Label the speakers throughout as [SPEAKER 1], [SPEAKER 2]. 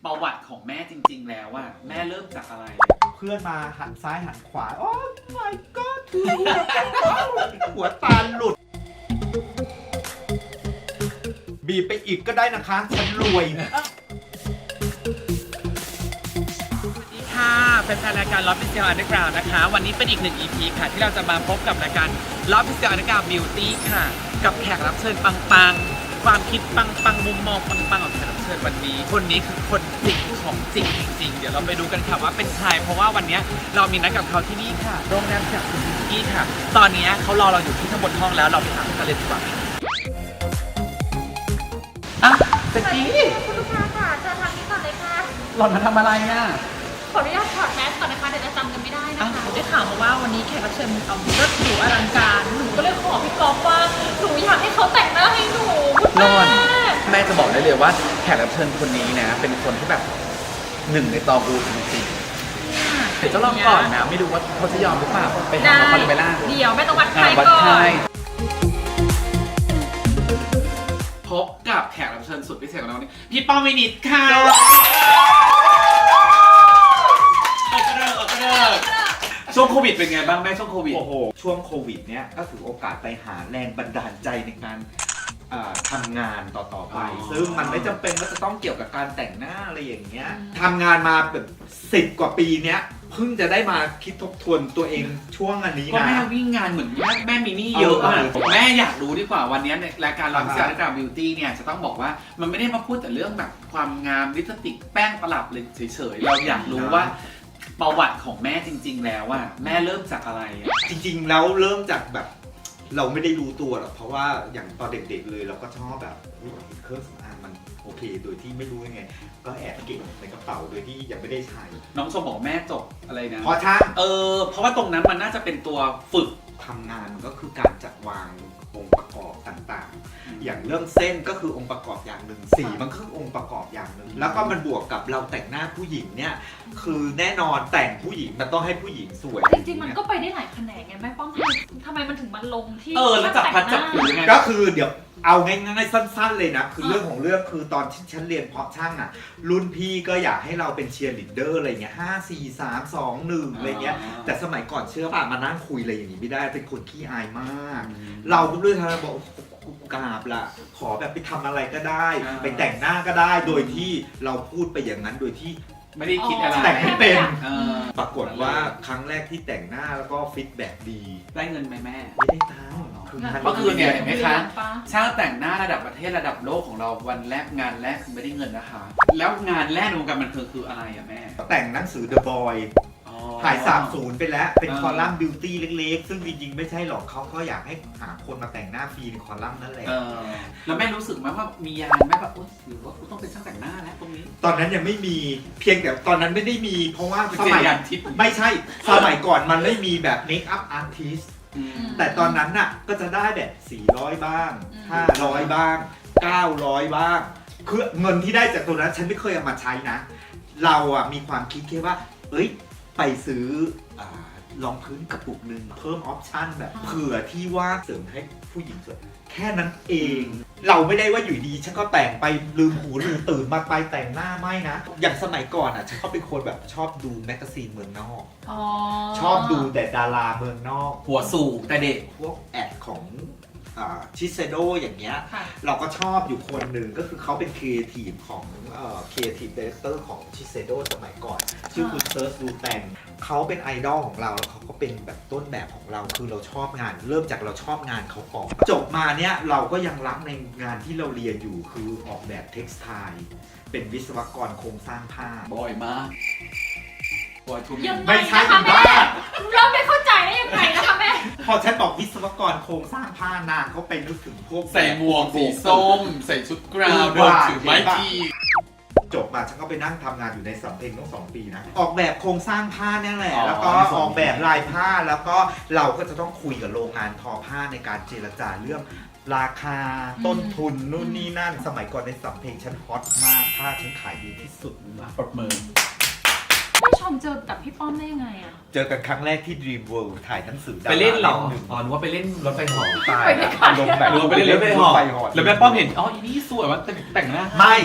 [SPEAKER 1] ประวัติของแม่จริงๆแล้วอะแม่เริ่มจากอะไร
[SPEAKER 2] เพื่อนมาหันซ้ายหันขวาโอ้ my god หัวตาหลุดบีบไปอีกก็ได้นะคะฉันรวย
[SPEAKER 1] ค่ะเป็นรายการ Love is Still Underground นะคะ วันนี้เป็นอีกหนึ่ง EP ค่ะที่เราจะมาพบกับรายการ Love is Still Underground Beauty ค่ะกับแขกรับเชิญปังๆความคิดปังๆมุมมองปังๆของแขกรับเชิญวันนี้คนนี้คือคนจริงของจริงจริงๆเดี๋ยวเราไปดูกันค่ะว่าเป็นใครเพราะว่าวันนี้เรามีนัดกับเขาที่นี่ค่ะโรงแรมจากคุณพิงกี้ค่ะตอนนี้เขารอเราอยู่ที่ข้างบนห้องแล้วเราไปถามกันเลยดีกว่าอ่ะเจ๊กี้
[SPEAKER 3] คุณลูกค้าค่ะเชิญทางนี้ก่อนเลยค่ะ
[SPEAKER 1] หล่อนมาทำอะไรอ่ะ
[SPEAKER 3] ขออนุญาตถอดแมสก่อนนะคะเดี๋ยวจะจำกันไม่ได้นะคะ
[SPEAKER 4] ได้ข่าวมาว่าวันนี้แขกรับเชิญเอารถหรูอลังการหนูก็เลยขอพี่ก๊อฟว่าหนูอยากให้เขาแต่งหน้าให้หนูคุณ
[SPEAKER 1] รอด
[SPEAKER 4] แม่
[SPEAKER 1] แม่จะบอกได้เลยว่าแขกรับเชิญคนนี้นะ เป็นคนที่แบบหนึ่งในตองอูจริงๆเดี๋ยวจะลองก่อนนะ ไม่รู้ว่าเขาจะยอมหรือเปล่าไปหาคอนเวล่า
[SPEAKER 4] เดี๋ยวแม่ต้องวัดไข้
[SPEAKER 1] วัด
[SPEAKER 4] ก่อ
[SPEAKER 1] ไข้
[SPEAKER 4] น
[SPEAKER 1] พบกับแขกรับเชิญสุดพิเศษของเรานี่พี่ป้อมวินิตค่ะช่วงโควิดเป็นไงบ้างแม่ช่วงโควิด
[SPEAKER 2] โอ้โหช่วงโควิดเนี้ยก็ถือโอกาสไปหาแรงบันดาลใจในการทำงานต่อไปซึ่งมันไม่จำเป็นว่าจะต้องเกี่ยวกับการแต่งหน้าอะไรอย่างเงี้ยทำงานมาแบบ10 กว่าปีเนี้ยเพิ่งจะได้มาคิดทบทวนตัวเองช่วงอันนี้
[SPEAKER 1] ก็
[SPEAKER 2] นะ
[SPEAKER 1] แม่วิ่งงานเหมือนแม่มีหนี้เยอะอะ แม่อยากรู้ดีกว่าวันนี้ในรายการเรา
[SPEAKER 2] อ่าฮะ
[SPEAKER 1] เซียร์ดาบิวตี้เนี่ยจะต้องบอกว่ามันไม่ได้มาพูดแต่เรื่องแบบความงามลิปสติกแป้งประหลับเลยเฉยๆเราอยากรู้ว่าประวัติของแม่จริง ๆ แล้วว่าแม่เริ่มจากอะไรอะ
[SPEAKER 2] จริงๆแล้วเริ่มจากแบบเราไม่ได้รู้ตัวหรอกเพราะว่าอย่างตอนเด็กๆเลยเราก็ชอบแบบเครื่องสำอางมันโอเคโดยที่ไม่รู้ยังไง ก็แอบเก็บในกระเป๋าโดยที่ยังไม่ได้ใช้
[SPEAKER 1] น้องชมบอกแม่จบอะไรนะ
[SPEAKER 2] เพราะช่าง
[SPEAKER 1] เพราะว่าตรงนั้นมันน่าจะเป็นตัวฝึก
[SPEAKER 2] ทำงานมันก็คือการจัดวางองค์ประกอบต่างๆ อย่างเรื่องเส้นก็คือองค์ประกอบอย่างหนึ่งสีมันก็คือองค์ประกอบอย่างหนึ่งแล้วก็มันบวกกับเราแต่งหน้าผู้หญิงเนี่ยคือแน่นอนแต่งผู้หญิงมันต้องให้ผู้หญิงสวย
[SPEAKER 4] จริงๆมันก็ไปได้หลายแขนงไงแม่ป้อมทำไมมันถึงมันลงที่
[SPEAKER 1] แล้วจับพัดจับผูยังไง
[SPEAKER 2] ก็คือเดี๋ยวเอาง่ายๆสั้นๆเลยนะคือเรื่องของเรื่องคือตอนที่ฉันเรียนเพาะช่างอ่ะรุ่นพี่ก็อยากให้เราเป็นเชียร์ลีดเดอร์อะไรเงี้ย5 4 3 2 1อะไรเงี้ยแต่สมัยก่อนเชื่อป่ะมานั่งคุยอะไรอย่างนี้ไม่ได้เป็นคนขี้อายมาก เราก็ด้วยทางบอกกูกราบละขอแบบไปทำอะไรก็ได้ ไปแต่งหน้าก็ได้โดยที่เราพูดไปอย่างนั้นโดยที่
[SPEAKER 1] ไม่ได้คิดอะไร
[SPEAKER 2] แต่งไม่เป็น
[SPEAKER 1] ป
[SPEAKER 2] ปรากฏว่าครั้งแรกที่แต่งหน้าแล้วก็ฟีดแบ็กดี
[SPEAKER 1] ได้เงินไหมแม่
[SPEAKER 2] ไม่ได้ตังค์คือมัน
[SPEAKER 1] ก็คือเนี่ยเห็นไหมคะ ช่างแต่งหน้าระดับประเทศระดับโลกของเราวันแรกงานแรกคือไม่ได้เงินนะคะ แล้วงานแรกในวงการบันเทิงคืออะไรอะแม่
[SPEAKER 2] แต่งหนังสือ The Boy หาย30ไปแล้วเป็นคอลัมน์บิวตี้เล็กๆ ซึ่งจริงๆ ไม่ใช่หรอกเขาก็อยากให้หาคนมาแต่งหน้าฟรีในคอลัมน์นั่นแหละ
[SPEAKER 1] แล้วแม่รู้สึกไหมว่ามียานไหมแบบโอ๊ยหรือว่ากูต้องเป็นช่างแต่งหน้าแล้วตรงนี้
[SPEAKER 2] ตอนนั้นยังไม่มีเพียงแต่ตอนนั้นไม่ได้มี เพราะว่า
[SPEAKER 1] เป็น
[SPEAKER 2] สมัย
[SPEAKER 1] ยานทิพย์
[SPEAKER 2] ไม่ใช่สมัยก่อนมันไม่มีแบบเมคอัพอาร์ติสแต่ตอนนั้นน่ะก็จะได้แบบ400บ้าง500บ้าง900บ้างคือเงินที่ได้จากตัวนั้นฉันไม่เคยเอามาใช้นะ เราอ่ะมีความคิดแค่ว่าเอ้ยไปซื้อรองพื้นกระปุกหนึ่งเพิ่มออปชั่นแบบเผื่อที่ว่าเสริมให้ผู้หญิงสวยแค่นั้นเอง เราไม่ได้ว่าอยู่ดีฉันก็แต่งไปลืมหูลืมตื่นมาไปแต่งหน้าไม่นะ อย่างสมัยก่อนอ่ะฉันก็เป็นคนแบบชอบดูแมกกาซีนเมืองนอก ชอบดูแต่ดาราเมืองนอก
[SPEAKER 1] หัวสูงแต่เด็ก
[SPEAKER 2] พวกแอดของชิเซโดอย่างเงี้ย
[SPEAKER 4] ค่ะ
[SPEAKER 2] เราก็ชอบอยู่คนหนึ่งก็คือเขาเป็นครีเอทีฟของครีเอทีฟดีเรคเตอร์ของชิเซโดสมัยก่อน ชื่อคุณเซิร์ชดูแตงเขาเป็นไอดอลของเราแล้วเขาก็เป็นแบบต้นแบบของเราคือเราชอบงาน เริ่มจากเราชอบงานเขาก่อนจบมาเนี้ยเราก็ยังรักในงานที่เราเรียนอยู่คือออกแบบเท็กซ์ไทล์เป็นวิศวกรโครงสร้างผ้า
[SPEAKER 1] บ่อยมากบ่อยทุก
[SPEAKER 4] ยังไง
[SPEAKER 2] ไม่ใช่
[SPEAKER 4] นะคะ
[SPEAKER 2] บ้า
[SPEAKER 4] แม่เราไม่เข้าใจได้ยังไงนะคะแม่
[SPEAKER 2] พอฉันบอกวิศวกรโครงสร้างผ้านางเขาไปนึกถึงพวก
[SPEAKER 1] ใส่หมวกสีส้ม ใส่ชุดกราวเดินถือไม้ที
[SPEAKER 2] จบมาฉันก็ไปนั่งทำงานอยู่ในสำเพ็งต้อง2 ปีนะออกแบบโครงสร้างผ้าเนี่ยแหละ แล้วก็ออกแบบลายผ้าแล้วก็เราก็จะต้องคุยกับโรงงานทอผ้าในการเจรจาเรื่องราคาต้นทุนนู่นนี่นั่นสมัยก่อนในสำเพ็งฉันฮอตมากผ้าฉันขายดีที่สุด
[SPEAKER 1] ปรบมือ
[SPEAKER 4] แม่ชมเจอกับพี่ป้อมได้ยังไงอะ
[SPEAKER 2] เจอกันครั้งแรกที่ Dream World ถ่ายหนังสือดา
[SPEAKER 1] ไปเล่นเหรอ
[SPEAKER 2] หนึ่ง
[SPEAKER 1] อ๋อนึกว่าไปเล่นรถไฟเหอ
[SPEAKER 2] ตายอารมณ์แบบ
[SPEAKER 1] หรือว่าไปเล่นรถไฟเหอแล้วแม่ป้อมเห็นอ๋ออีนี่สวยว่าแต่งหน้า
[SPEAKER 2] ไม่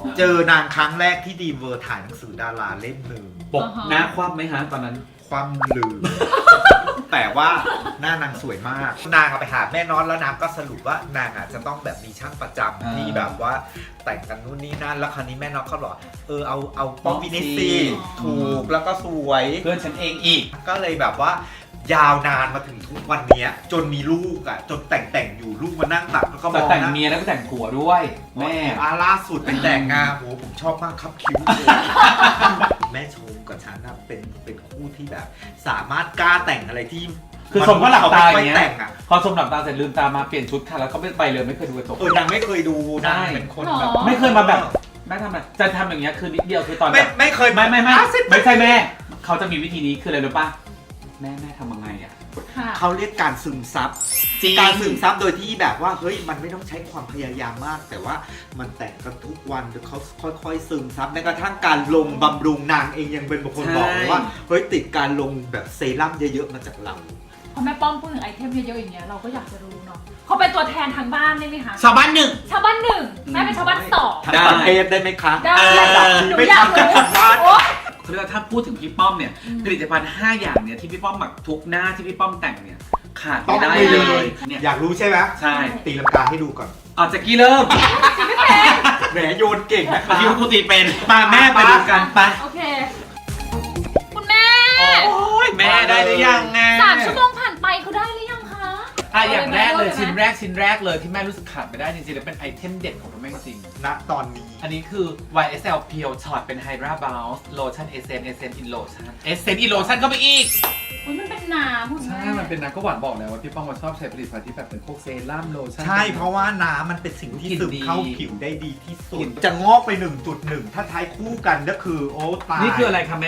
[SPEAKER 2] เจอนางครั้งแรกที่ดีมเวอร์ถ่ายหนังสือดาราเล่มหนึ่ง
[SPEAKER 1] ปกหน้าคว่ำไหมฮะตอนนั้น
[SPEAKER 2] ความลืม แต่ว่าหน้านางสวยมาก นางเอาไปหาแม่น็อตแล้วนางก็สรุปว่านางจะต้องแบบมีช่างประจำที่แบบว่าแต่งกันนู่นนี่นั่นแล้วคราวนี้แม่น็อตเขาบอกเอาป้อมวินิสซีถูกแล้วก็สวย
[SPEAKER 1] เพื่อนฉันเองอีก
[SPEAKER 2] ก็เลยแบบว่ายาวนานมาถึงทุกวันเนี้ยจนมีลูกจนแต่งอยู่ลูกมานั่งตักแล้วก็ม
[SPEAKER 1] แต่
[SPEAKER 2] อง
[SPEAKER 1] แต่ง
[SPEAKER 2] นะ
[SPEAKER 1] เมียแล้วก็แต่งผัวด้วย แม่
[SPEAKER 2] ล่าสุดไปแต่งงานโหผมชอบมากครับคิ้วเลย แม่ชมกับฉันนะเป็นคู่ที่แบบ สามารถกล้าแต่งอะไรที่
[SPEAKER 1] คือชมก็หลับตาอย่างเงี้ย
[SPEAKER 2] แต่งอ่ะ
[SPEAKER 1] พอชมหลับตาเสร็จลืมตามาเปลี่ยนชุดค่ะแล้วก็ไม่ไปเลยไม่เคยดูกระจก
[SPEAKER 2] นางไม่เคยดู
[SPEAKER 1] ใช่
[SPEAKER 2] นางเป็นคนแบบ
[SPEAKER 1] ไม่เคยมาแบบแม่ทำอะไรจะทำอย่างเงี้ยคือนิดเดียวคือตอนแบบ
[SPEAKER 2] ไม่เคย
[SPEAKER 1] ไม่ใช่แม่เขาจะมีวิธีนี้คืออะไรรู้ป่ะแม่ทำยังไงอ่ะ
[SPEAKER 4] ค่ะ
[SPEAKER 2] เขาเรียกการซึมซับ
[SPEAKER 1] จริง
[SPEAKER 2] การซึมซับโดยที่แบบว่าเฮ้ยมันไม่ต้องใช้ความพยายามมาก แต่ว่ามันแต่งกันทุกวันเดี๋ยวเขาค่อยๆซึมซับแม้กระทั่งการลงบำรุงนางเองยังเป็นบางคนบอกเลยว่าเฮ้ยติดการลงแบบเซรั่มเยอะๆมาจากเรา
[SPEAKER 4] พอแม่ป้อมพูดถึงไอเทมเยอะๆอย่างเงี้ยเราก็อยากจะรู้เนาะเขาเป็นตัวแทนทางบ้านได้ไหมคะ
[SPEAKER 1] ชาวบ้านหนึ่ง
[SPEAKER 4] ชาวบ้านหนึ่งแม่เป็นชาวบ้านสอง
[SPEAKER 2] ทั้งประเทศได้ไหมคะ
[SPEAKER 4] ได้
[SPEAKER 2] ระดับนี้ไม่ทำกันทั้งบ้าน
[SPEAKER 4] โอ๊ย
[SPEAKER 1] เขาเรียกว่าถ้าพูดถึงพี่ป้อมเนี่ยผลิตภัณฑ์5อย่างเนี่ยที่พี่ป้อมหมักทุกหน้าที่พี่ป้อมแต่งเนี่ยขาด
[SPEAKER 2] ต้อ
[SPEAKER 1] ไม่
[SPEAKER 2] ง
[SPEAKER 1] ได้
[SPEAKER 2] ไป
[SPEAKER 1] เล
[SPEAKER 2] เลย
[SPEAKER 1] ยเนี่ย
[SPEAKER 2] อยากรู้ใช่ไหม
[SPEAKER 1] ใช่
[SPEAKER 2] ตีลังกาให้ดูก่อน
[SPEAKER 1] เอาจากกี้เริ่ม
[SPEAKER 2] แหมโยนเก่งนะ
[SPEAKER 1] เมื่อ
[SPEAKER 2] คะ
[SPEAKER 1] กี้คุณตีเป็นมาแม่ไปดูกันไป
[SPEAKER 4] โอเค คุณแม่
[SPEAKER 1] โอ้ยแม่ได้หรือยังไง
[SPEAKER 4] 3 ชั่วโมงผ่านไปเขาได้หรือยังคะ
[SPEAKER 1] อ่ะอย่างแรกเลย
[SPEAKER 4] อา
[SPEAKER 1] ชิ้น
[SPEAKER 4] ไหม
[SPEAKER 1] แรกเลยที่แม่รู้สึกขาดไม่ได้จริงๆแล้วเป็นไอเทมเด็ดของคุณแม่จริง
[SPEAKER 2] ณตอนนี้
[SPEAKER 1] อันนี้คือ YSL Pure Shot เป็น Hydra Bounce Lotion Essence in Lotion Essence in Lotion เข้าไปอีก
[SPEAKER 4] อุ้ยมันเป็นน้ำคุณแม่
[SPEAKER 5] ใช่ มันเป็นน้ำก็หวานบอกแล้วว่าพี่ป้องมาชอบใช้ผลิตภัณฑ์ที่แบบเป็นพวกเซรั่มโลชั่น
[SPEAKER 2] ใช่เพราะว่าน้ำมันเป็นสิ่งที่
[SPEAKER 1] กลิ่น
[SPEAKER 2] ซึม
[SPEAKER 1] ดี
[SPEAKER 2] เข้าผิวได้ดีที่สุ
[SPEAKER 1] กลิ่
[SPEAKER 2] ด
[SPEAKER 1] น
[SPEAKER 2] จะงอกไป 1.1 ถ้าใช้คู่กันก็คือโอ้ตาย
[SPEAKER 1] นี่คืออะไรคะแม่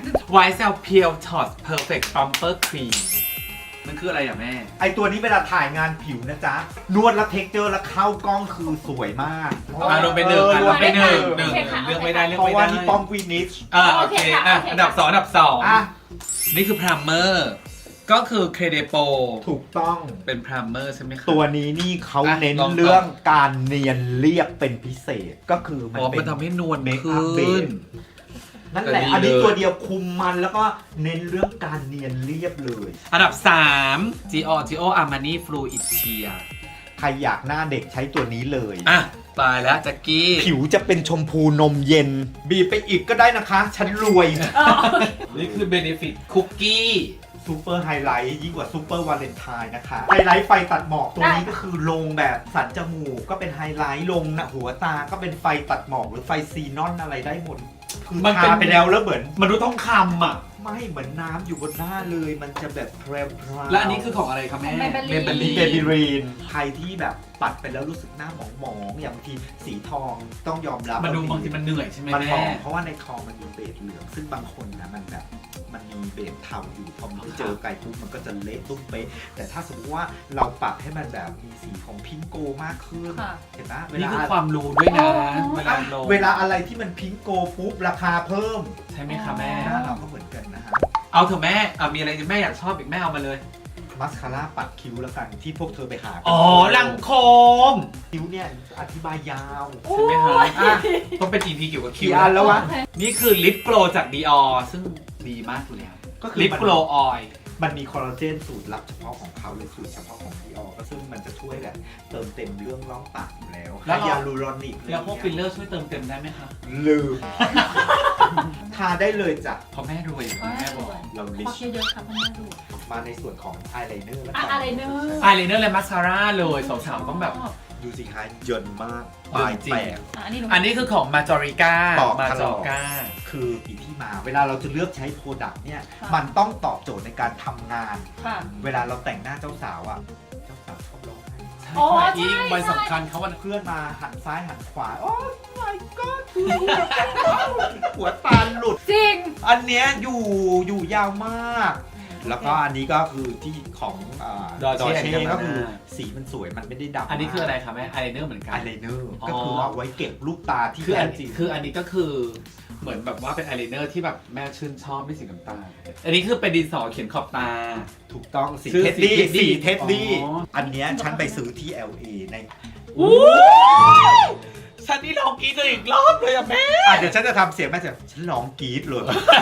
[SPEAKER 1] YSL Pure Shot Perfect Plumper Cream มันคืออะไรอ่ะแม่
[SPEAKER 2] ไอตัวนี้เวลาถ่ายงานผิวนะจ๊ะ นวดแล้วเท็กเจอร์แล้วเข้ากล้องคือสวยมาก
[SPEAKER 1] ลงไปหนึ่งลงไปหนึ่ง
[SPEAKER 4] โอเคค่ะ
[SPEAKER 1] เลือกไม่ได้เลือก
[SPEAKER 2] เพราะ
[SPEAKER 1] ไม่
[SPEAKER 2] ว่า
[SPEAKER 1] ได้
[SPEAKER 2] นี่ป้อมวินิช
[SPEAKER 1] โอเคอ่ะอันดับ 2 อันดับ
[SPEAKER 2] อ่ะ
[SPEAKER 1] 2 นี่คือ Primer ก็คือ Credepo
[SPEAKER 2] ถูกต้อง
[SPEAKER 1] เป็น Primer ใช่ไหมคะ
[SPEAKER 2] ตัวนี้นี่เขาเน้น
[SPEAKER 1] ลองต่อ
[SPEAKER 2] เรื่องการเนียนเรียบเป็นพิเศษก็คือมัน
[SPEAKER 1] อ๋อ
[SPEAKER 2] เป็
[SPEAKER 1] มัน
[SPEAKER 2] น
[SPEAKER 1] ทำให้นวล
[SPEAKER 2] เมคอัพเบ
[SPEAKER 1] ขึ้น
[SPEAKER 2] สนั่นแหละ
[SPEAKER 1] แต่ดี
[SPEAKER 2] อันนี้
[SPEAKER 1] เลย
[SPEAKER 2] ตัวเดียวคุมมันแล้วก็เน้นเรื่องการเนียนเรียบเลย
[SPEAKER 1] อันดับ 3 Gio Armani Fluid Sheer
[SPEAKER 2] ใครอยากหน้าเด็กใช้ตัวนี้เลย
[SPEAKER 1] อ่ะตายแล้วแจ็กกี้
[SPEAKER 2] ผิวจะเป็นชมพูนมเย็น บีบไปอีกก็ได้นะคะ ฉันรวย
[SPEAKER 1] นี่คือ Benefit Cookie
[SPEAKER 2] ซูเปอร์ไฮไลท์ยิ่งกว่าซูเปอร์วาเลนไทน์นะคะ ไฮไลท์ไฟตัดหมอกตัวนี้ก็คือลงแบบสันจมูกก็เป็นไฮไลท์ลงนะหัวตาก็เป็นไฟตัดหมอกหรือไฟซีนอนอะไรได้หมดคือ
[SPEAKER 1] มันเป็น
[SPEAKER 2] ทาไปแล้วเหมือน
[SPEAKER 1] มันดูต้องคำอ่ะ
[SPEAKER 2] ไม่เหมือนน้ำอยู่บนหน้าเลย มันจะแบบแพรวๆ
[SPEAKER 1] และอันนี้คือของอะไรครับแม่
[SPEAKER 4] Maybelline
[SPEAKER 2] เบบี้รีนใครที่แบบปัดไปแล้วรู้สึกหน้าหมองๆอย่างบางทีสีทองต้องยอมรับ
[SPEAKER 1] มันดูบางทีมันเหนื่อยใช่ไหม
[SPEAKER 2] มันหม
[SPEAKER 1] แม่
[SPEAKER 2] องเพราะว่าในทองมันมีเบสเหลืองซึ่งบางคนนะมันแบบมันมีเบสเทาอยู่พอมันไปเจอไก่ปุ๊บมันก็จะเละตุ้มเป๊ะแต่ถ้าสมมติว่าเราปรับให้มันแบบมีสีของพิงโกมากขึ้น
[SPEAKER 4] ค่ะ
[SPEAKER 2] เห็นปะ
[SPEAKER 1] นี่คือความรู้ด้วยนะ เวลาลง
[SPEAKER 2] เวลาอะไรที่มันพิงโกปุ๊บราคาเพิ่ม
[SPEAKER 1] ใช่ไหมคะแม่
[SPEAKER 2] หน้าเราก็เหมือนกันนะฮะ
[SPEAKER 1] เอาเถอะแม่มีอะไรที่แม่อยากชอบอีกแม่เอามาเลย
[SPEAKER 2] มัสคาร่าปัดคิ้วแล้วกันที่พวกเธอไปหากัน
[SPEAKER 1] อ๋อลังโคม
[SPEAKER 2] คิ้วเนี่ยอธิบายยาว
[SPEAKER 1] ใช่ไหมคะ
[SPEAKER 2] อ่ะ
[SPEAKER 1] ต้องเป็น EP เกี่ยวกับคิ
[SPEAKER 2] กี่
[SPEAKER 1] ว
[SPEAKER 2] อันแล้ววะ
[SPEAKER 4] โอเค
[SPEAKER 1] นี่คือลิปโกลจาก Dior ซึ่งดีมากอยู่แล้ว
[SPEAKER 2] ก็คือ
[SPEAKER 1] ลิปโกลออย
[SPEAKER 2] มันมีคอลลาเจนสูตรลับเฉพาะของเขาเลยสูตรเฉพาะของดีออก็ซึ่งมันจะช่วยแบบเติมเต็มเรื่องร่องปากอยู่แล้ว
[SPEAKER 1] แล้ว
[SPEAKER 2] ไฮยาลูรอนิก
[SPEAKER 1] แล้วพวกฟิลเลอร์ช่วยเติมเต็มได้ไหมคะ
[SPEAKER 2] ลืม ทาได้เลยจ้ะ
[SPEAKER 1] เพราะแม่รวยอยู่
[SPEAKER 4] อ๋อ
[SPEAKER 1] แม่บอก
[SPEAKER 2] เราลิ
[SPEAKER 4] พอ
[SPEAKER 2] ช
[SPEAKER 4] เยอะๆค่ะพ่อแม่ดู
[SPEAKER 2] มาในส่วนของอายไลเนอร์แล้ว
[SPEAKER 4] อ่ะ
[SPEAKER 2] กัน
[SPEAKER 4] อะไรเนอะ
[SPEAKER 1] อายไลเนอร์และมาสคาร่าเลยสาวๆต้องแบบ
[SPEAKER 2] ดูสิคะเยินมากปลาย
[SPEAKER 1] จริง
[SPEAKER 2] แตก
[SPEAKER 4] อันนี้หนู
[SPEAKER 1] อันนี้คือของมาจอริก้า
[SPEAKER 2] ตอบ
[SPEAKER 1] มา
[SPEAKER 2] ต
[SPEAKER 1] จ
[SPEAKER 2] ล
[SPEAKER 1] อ
[SPEAKER 2] อด
[SPEAKER 1] ก้า
[SPEAKER 2] คืออีที่มา เวลาเราจะเลือกใช้โปรดักต์เนี่ย มันต้องตอบโจทย์ในการทำงาน
[SPEAKER 4] ค่ะ
[SPEAKER 2] เวลาเราแต่งหน้าเจ้าสาวอ่ะ เจ้าสาวชอบร้องไห้
[SPEAKER 4] อ๋อ
[SPEAKER 1] ใช่
[SPEAKER 4] ใช่
[SPEAKER 1] ยิ่งวันสำคัญเขาวัน
[SPEAKER 2] เพื่อนมาหันซ้ายหันขวา โอ้ my god หัวตาหลุด
[SPEAKER 4] จริง
[SPEAKER 2] อันเนี้ยอยู่ยาวมาก แล้วก็อันนี้ก็คือที่ของดอ
[SPEAKER 1] Dolce
[SPEAKER 2] เช่
[SPEAKER 1] and
[SPEAKER 2] ก็คือ
[SPEAKER 1] Gabbana
[SPEAKER 2] สีมันสวยมันไม่ได้ดำ
[SPEAKER 1] อันนี้คืออะไรคะแม่อายไลเนอร์เหมือนกัน
[SPEAKER 2] อายไลเนอร์
[SPEAKER 1] อ๋อ
[SPEAKER 2] ก็คือเอาไว้เก็บลูกตาที่
[SPEAKER 1] คือ
[SPEAKER 2] แท้
[SPEAKER 1] อัน
[SPEAKER 2] จริง
[SPEAKER 1] คืออันนี้ก็คือเหมือนแบบว่าเป็นอายไลเนอร์ที่แบบแม่ชื่นชอบไม่สีน้ำตาลอันนี้คือเป็นดินสอเขียนขอบตา
[SPEAKER 2] ถูกต้องสี
[SPEAKER 1] ชื่อ
[SPEAKER 2] เท็ดดี้
[SPEAKER 1] สี
[SPEAKER 2] สีเท็ดดี้
[SPEAKER 1] อ๋อ
[SPEAKER 2] อันเนี้ยฉันไปซื้อที่ LA ใน
[SPEAKER 1] ฉันนี่ลองกรีดเลยอีกรอบเลยอะแม่
[SPEAKER 2] เดี๋ยวฉันจะทำเสียงแม่เสียงฉันร้องกรี๊ดเลย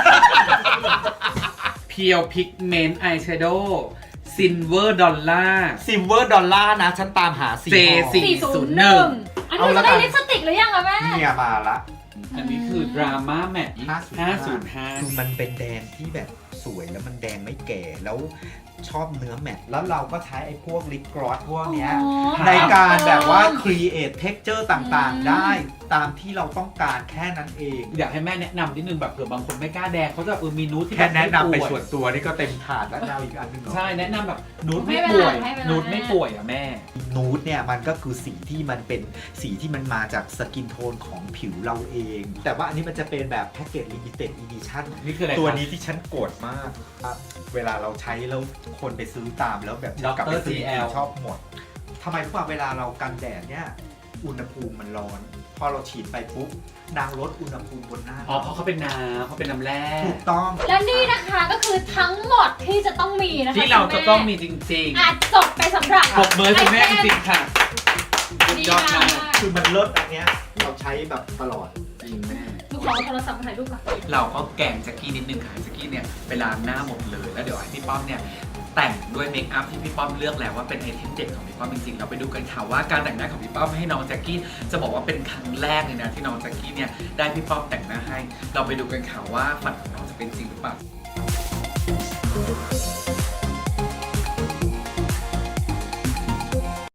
[SPEAKER 1] เพียวพิกเมนต์อายแชโดว์ซินเวอร์ดอลลาร์
[SPEAKER 2] ซิลเวอร์ดอลลาร์นะ ฉันตามหาสี
[SPEAKER 1] J4
[SPEAKER 4] 401 อันนี้จะได้ลิปสติกหรือยังอะแม่
[SPEAKER 2] เนี่ยมาละ
[SPEAKER 1] อันนี้คือดราม่าแมท
[SPEAKER 2] คือ
[SPEAKER 1] 505
[SPEAKER 2] มันเป็นแดงที่แบบสวยแล้วมันแดงไม่แก่แล้วชอบเนื้อแมทแล้วเราก็ใช้ไอ้พวกลิปกรอสพวกเนี้ย
[SPEAKER 4] อ๋อ
[SPEAKER 2] ในการแบบว่า create texture ต่างๆ ได้ตามที่เราต้องการแค่นั้นเอง
[SPEAKER 1] อยากให้แม่แนะนำนิดนึงแบบเผื่อบางคนไม่กล้าแดงเขาจะมีนูดที่
[SPEAKER 2] แค่
[SPEAKER 1] บบ
[SPEAKER 2] แนะนำไป
[SPEAKER 1] ม่ป่วย
[SPEAKER 2] ส่วนตัวนี่ก็เต็มถาดแล้วเอาอีกอันหนึงเหรอ
[SPEAKER 1] ใช่แนะนำแบบนูด
[SPEAKER 4] ไม่
[SPEAKER 1] ไม่
[SPEAKER 4] เป็น
[SPEAKER 1] ป่วย
[SPEAKER 4] ไรไม่เป็นไร
[SPEAKER 1] นูดไม่ป่วยอ่ะแม่
[SPEAKER 2] นูดเนี่ยมันก็คือสีที่มันเป็นสีที่มันมาจากสกินโทนของผิวเราเอง แต่ว่าอันนี้มันจะเป็นแบบแพ็กเกจลิมิเต็ดอีดิชั่น
[SPEAKER 1] นี่คืออะไร
[SPEAKER 2] ตัว
[SPEAKER 1] ครับ
[SPEAKER 2] นี้ที่ฉันโกรธมากครับเวลาเราใช้แล้วคนไปซื้อตามแล้วแบบ
[SPEAKER 1] Dr.
[SPEAKER 2] กลับไปซื้อ
[SPEAKER 1] CL
[SPEAKER 2] ชอบหมดทำไมรู้ป่ะเวลาเรากันแดดเนี่ยอุณหภูมิมันร้อน พอเราฉีดไปปุ๊บนางลดอุณหภูมิบนหน้า
[SPEAKER 1] อ๋อเพราะเขาเป็นน้ำเขาเป็นน้ำแร่
[SPEAKER 2] ถูกต้อง
[SPEAKER 4] และนี่นะคะก็คือทั้งหมดที่จะต้องมีนะคะ
[SPEAKER 1] ที่เราจะต้องมีจริง
[SPEAKER 4] อาจจบไปสำหรับ
[SPEAKER 1] ๆปรบมือคุณแม่จริงๆค่ะ
[SPEAKER 4] ดี
[SPEAKER 1] ยอด
[SPEAKER 4] มาม
[SPEAKER 1] าก ก
[SPEAKER 2] คือมันเลิศอันเนี้ยเราใช้แบบตลอด
[SPEAKER 1] จริงแม่
[SPEAKER 4] ลูกขอเอาโทรศัพท์มาถ่ายรูปก่อน
[SPEAKER 1] เราก็แกล้งแจ็กกี้นิดนึงค่ะแจ็กกี้เนี่ยไปล้างหน้าหมดเลยแล้วเดี๋ยวให้พี่ป้อมเนี่ยแต่งด้วยเมคอัพที่พี่ป้อมเลือกแล้วว่าเป็นไอเทมเด็ดของพี่ป้อมจริงๆเราไปดูกันค่ะว่าการแต่งหน้าของพี่ป้อมให้น้องแจ็กกี้จะบอกว่าเป็นครั้งแรกเลยนะที่น้องแจ็กกี้เนี่ยได้พี่ป้อมแต่งหน้าให้ เราไปดูกันค่ะว่าฝันของน้องจะเป็นจริงหรือเปล่า